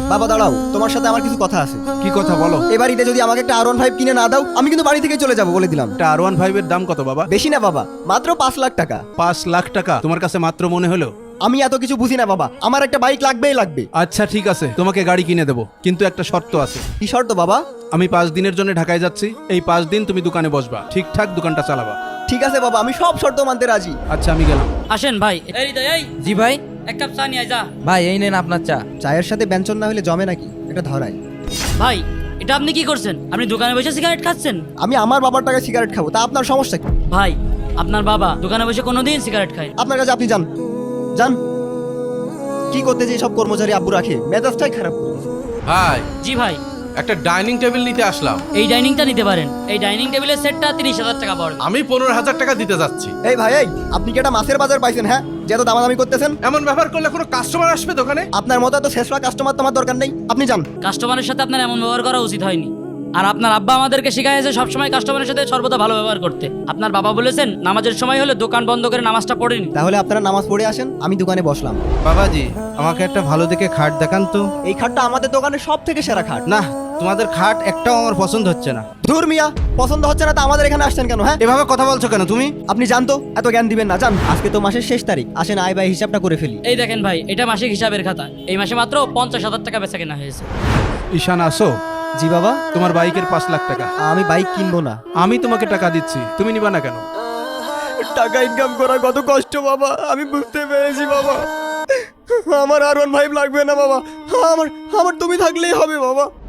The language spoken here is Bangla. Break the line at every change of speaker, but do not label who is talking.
বাবা দাঁড়াও, তোমার সাথে আমার কিছু কথা আছে।
কি কথা বলো?
এবার ঈদে যদি আমাকে একটা R15 কিনে না দাও, আমি কিন্তু বাড়ি থেকে চলে যাবো বলে দিলাম।
একটা R15 এর দাম কত বাবা?
বেশি না বাবা, মাত্র 5 লাখ টাকা।
5 লাখ টাকা তোমার কাছে মাত্র মনে হলো?
আমি এত কিছু বুঝি না বাবা, আমার একটা বাইক লাগবেই লাগবে।
আচ্ছা ঠিক আছে, তোমাকে গাড়ি কিনে দেবো, কিন্তু একটা শর্ত আছে।
কি শর্ত বাবা?
আমি 5 দিনের জন্য ঢাকায় যাচ্ছি, এই 5 দিন তুমি দোকানে বসবা, ঠিকঠাক দোকানটা চালাবা।
ঠিক আছে বাবা, আমি সব শর্ত মানতে রাজি।
আচ্ছা আমি গেলাম।
আসেন ভাই। এই হৃদয়, এই
জি ভাই।
এক কাপ চা নিয়ে আয় যা।
ভাই এই নেন আপনার চা।
চায়ের সাথে ব্যঞ্জন না হলে জমে নাকি? এটা ধরায়।
ভাই এটা আপনি কি করছেন? আপনি দোকানে বসে সিগারেট খাচ্ছেন?
আমি আমার বাবার টাকায় সিগারেট খাবো, তা আপনার সমস্যা কি?
ভাই আপনার বাবা দোকানে বসে কোনোদিন সিগারেট খায়?
আপনার কাছে আপনি যান যান। কি করতে যে সব কর্মচারী আব্বু রাখে, মেজাজটাই খারাপ করে দিয়েছে।
ভাই,
জি ভাই,
একটা ডাইনিং টেবিল নিতে আসলাম।
এই ডাইনিংটা নিতে পারেন। এই ডাইনিং টেবিলের সেটটা 30,000 টাকা পড়বে।
আমি 15,000 টাকা দিতে যাচ্ছি।
এই ভাই, এই আপনি কি একটা মাছের বাজার পাইছেন? হ্যাঁ, যে এত দামাদামি করতেছেন।
এমন ব্যবহার করলে কোনো কাস্টমার আসবে দোকানে?
আপনার মতো এত শেষরা কাস্টমার তোমার দরকার নেই, আপনি যান।
কাস্টমারের সাথে আপনার এমন ব্যবহার করা উচিত হয়নি। আর আপনার আব্বা আমাদেরকে শিখাইছে সবসময় কাস্টমারের সাথে সর্বদা ভালো ব্যবহার করতে। আপনার বাবা বলেছেন নামাজের সময় হলে দোকান বন্ধ করে নামাজটা পড়েনি।
তাহলে আপনারা নামাজ পড়ে আসেন, আমি দোকানে বসলাম।
বাবাজি, আমাকে একটা ভালো দেখে খাট দেখান তো।
এই খাটটা আমাদের দোকানের সব থেকে সেরা খাট।
না, তোমাদের খাট একটাও আমার পছন্দ হচ্ছে না।
ধুর মিয়া, পছন্দ হচ্ছে না তা আমাদের এখানে আসছেন কেন? হ্যাঁ,
এভাবে কথা বলছো কেন তুমি?
আপনি জানতো এত জ্ঞান দিবেন না, জান। আজকে তো মাসের শেষ তারিখ, আসেন আয় ব্যয় হিসাবটা করে ফেলি।
এই দেখেন ভাই, এটা মাসিক হিসাবের খাতা। এই মাসে মাত্র 50,000 টাকা বেচা কেনা হয়েছে।
ঈশান আসো,
জি বাবা।
তোমার বাইকের 5 লাখ টাকা।
আমি বাইক কিনবো না।
আমি তোমাকে টাকা দিচ্ছি, তুমি নিবা না কেন?
টাকা ইনকাম করা কত কষ্ট বাবা, আমি বুঝতে পেরেছি বাবা। আমার R15 লাগবে না বাবা, আমার আমার তুমি থাকলেই হবে বাবা।